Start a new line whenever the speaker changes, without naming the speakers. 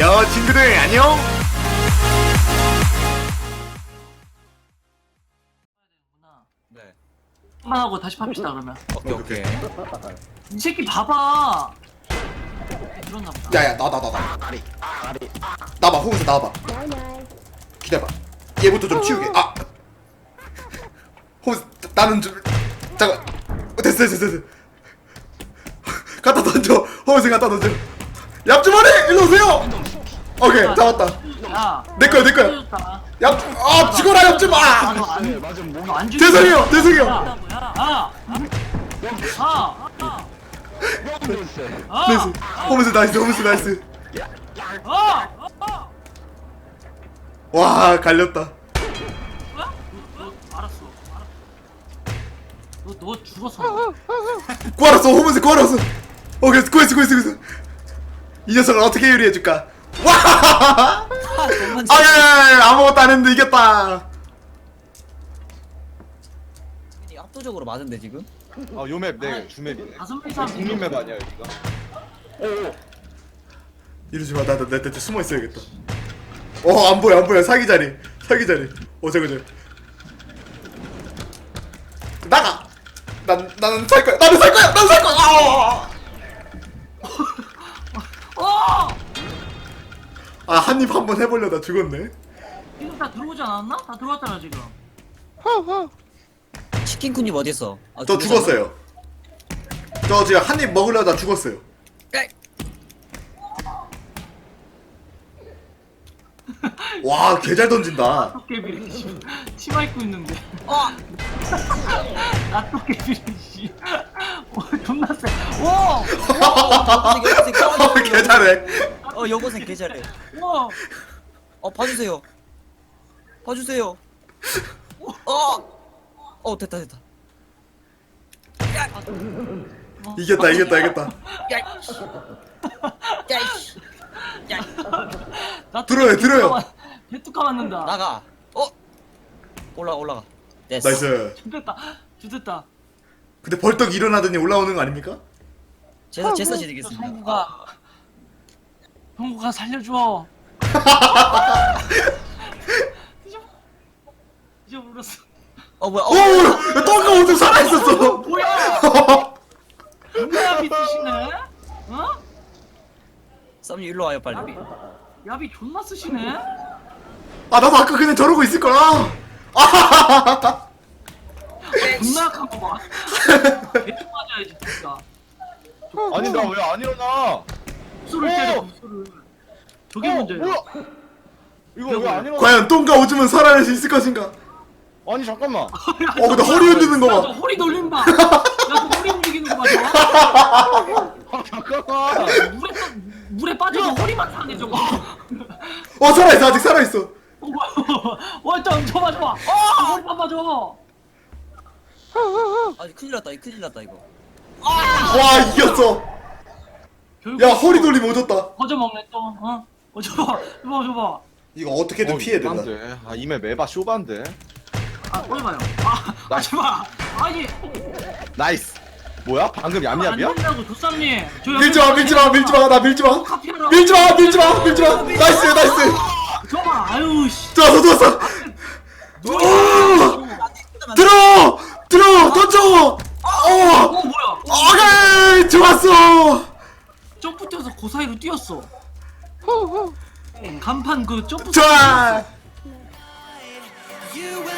야 친구들 안녕.
네.
한번 하고 다시 팝시다 그러면.
오케이.
이 새끼 봐봐. 그런가 보다.
야야 나 나봐 호흡에서 나와봐. 기다려봐. 얘부터 좀 치우게. 아 호흡 나는 좀 잠깐. 됐어. 갖다 던져. 호흡에 갖다 던져. 얍주머니 일로 오세요. 오케이 잡았다.
야.
내 거야. 얍 죽어라 얍주마.
안
죄송해요. 나이스. 호흡에서 나이스. 와 갈렸다.
알았어. 너 죽었어.
구하렀어. 호흡에서 구하렀어. 오케이 구했어. 이 녀석을 어떻게 요리해줄까? 와! 아야야야 아무것도 안 했는데 이겼다.
압도적으로 맞은데 지금?
아 요맵 내 주맵이네.
다섯 명이서 하면
국민맵 아니야 여기가?
이러지 마. 나 숨어 있어야겠다. 안 보여. 사기 자리. 저거. 나가. 나는 살 거야. 아 한입 한번 해보려다 죽었네.
지금 다 들어오지 않았나? 다 들어왔잖아 지금.
치킨쿤님 어딨어? 아,
저 죽었어요. 저 지금 한입 먹으려다 죽었어요. 와 개 잘 던진다.
나토깨비리 치마 입고 있는데. 나토깨비리 씨. 존나 세.
개 잘해.
여고생 개 잘해.
와.
봐주세요. 됐다.
이겼다. 들어요.
개뚜까 맞는다.
나가. 올라가. 됐어.
나이스.
죽됐다.
근데 벌떡 일어나더니 올라오는 거 아닙니까?
제사 지내겠습니다.
형구가 살려줘. 잊어버렸어.
뭐야?
오! 똥가 오줌 살아있었어!
뭐야? 야비 쓰시네?
쌈님 일로 와요 빨리.
야비 존나 쓰시네?
아 나도 아까 그냥 저러고 있을거야.
존나 약한 거 봐. 대충 맞아야지 진짜.
아니 나 왜 안 일어나?
구슬을 때려 구슬을. 저게 문제야.
뭐야? 이거 왜 안 일어나?
과연 똥가 오줌은 살아날 수 있을 것인가?
아니 잠깐만.
근데 허리 흔드는 거 봐.
야, 너 허리 돌림 봐. 야, 너 허리 움직이는 거 봐. 저거.
아 잠깐만.
물에 빠져서 허리만 상해 저거.
살아있어. 아직 살아있어.
일단 저 봐줘. 허리만 봐줘.
큰일 났다 이거.
와 이겼어. 야 허리 돌림 오졌다.
거저 먹네 또. 저봐.
이거 어떻게든 피해야 된다.
이맵 에바 쇼반데.
꺼내봐요. 제발. 아니.
나이스. 뭐야? 방금 얌얌이야?
안 된다고 조쌈님.
밀지마. 나 밀지마.
카피하라.
나이스.
저봐. 아유 씨.
좋았어. 들어. 던져.
뭐야?
오케이 좋았어.
점프 뛰어서 그 사이로 뛰었어. 간판 그 점프.
좋아.
You